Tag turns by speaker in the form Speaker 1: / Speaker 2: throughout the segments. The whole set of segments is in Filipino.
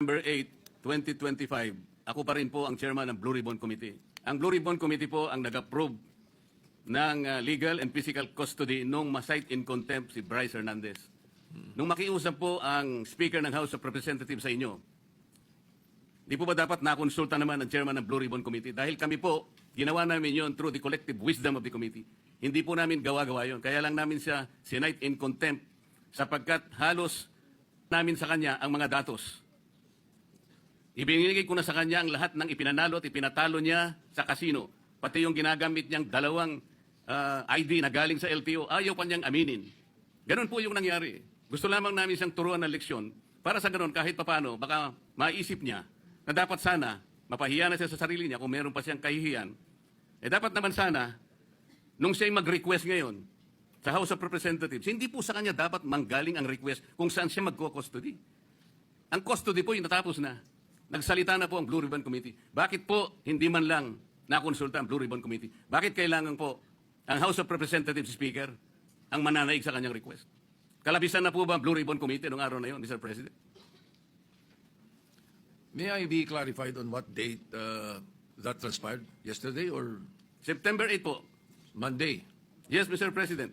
Speaker 1: 8, 2025, ako pa rin po ang chairman ng Blue Ribbon Committee. Ang Blue Ribbon Committee po ang nag-approve ng legal and physical custody nung ma-cite in contempt si Bryce Hernandez. Nung makiusap po ang Speaker ng House of Representatives sa inyo, di po ba dapat nakonsulta naman ang chairman ng Blue Ribbon Committee? Dahil kami po, ginawa namin yon through the collective wisdom of the committee. Hindi po namin gawa-gawa yon. Kaya lang namin siya sinite in contempt sapagkat halos namin sa kanya ang mga datos. Ibinigay ko na sa kanya ang lahat ng ipinanalo at ipinatalo niya sa kasino. Pati yung ginagamit niyang dalawang ID na galing sa LTO, ayaw pa niyang aminin. Ganon po yung nangyari. Gusto lamang namin siyang turuan ng leksyon para sa ganon kahit papano baka maisip niya na dapat sana mapahiya na siya sa sarili niya kung meron pa siyang kahihiyan. Dapat naman sana nung siya'y mag-request ngayon sa House of Representatives, hindi po sa kanya dapat manggaling ang request kung saan siya magko-custody. Ang custody po yung natapos na. Nagsalita na po ang Blue Ribbon Committee. Bakit po hindi man lang nakonsulta ang Blue Ribbon Committee? Bakit kailangan po ang House of Representatives Speaker ang mananaig sa kanyang request? Kalabisan na po ba ang Blue Ribbon Committee noong araw na yun, Mr. President?
Speaker 2: May I be clarified on what date that transpired? Yesterday or
Speaker 1: September 8 po.
Speaker 2: Monday?
Speaker 1: Yes, Mr. President.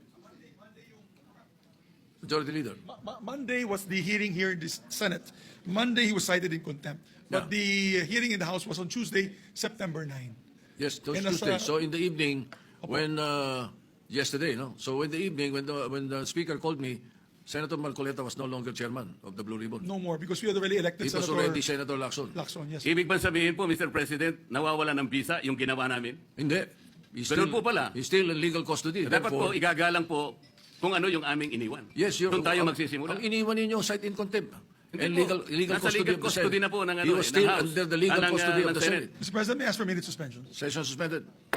Speaker 2: Majority Leader.
Speaker 3: Monday was the hearing here in the Senate. Monday he was cited in contempt. But the hearing in the House was on Tuesday, September 9.
Speaker 2: Yes, those
Speaker 3: And
Speaker 2: Tuesday. So in the evening, when yesterday, no. So in the evening, when the Speaker called me, Senator Marcoleta was no longer chairman of the Blue Ribbon.
Speaker 3: No more because we had already elected
Speaker 2: It was
Speaker 3: Senator
Speaker 2: already Senator Lacson.
Speaker 3: Lacson. Yes.
Speaker 1: Ibig ba sabihin po, Mr. President, nawawala ng visa yung ginawa namin?
Speaker 2: Hindi. He's
Speaker 1: Ganun po pala.
Speaker 2: He's still in legal custody.
Speaker 1: Dapat po,
Speaker 2: Therefore,
Speaker 1: igagalang po kung ano yung aming iniwan.
Speaker 2: yes,
Speaker 1: Doon tayo magsisimula.
Speaker 2: Ang iniwan ninyo, cite in contempt.
Speaker 1: Hindi
Speaker 2: And
Speaker 1: po.
Speaker 2: legal
Speaker 1: Nasa
Speaker 2: custody
Speaker 1: legal
Speaker 2: of the
Speaker 1: custody
Speaker 2: Senate.
Speaker 1: na po ng
Speaker 2: He was
Speaker 1: ng
Speaker 2: still
Speaker 1: House.
Speaker 2: under the legal
Speaker 1: Ng,
Speaker 2: custody of
Speaker 1: ng
Speaker 2: the Senate.
Speaker 3: Mr. President, may I ask for a minute suspension?
Speaker 2: Session suspended.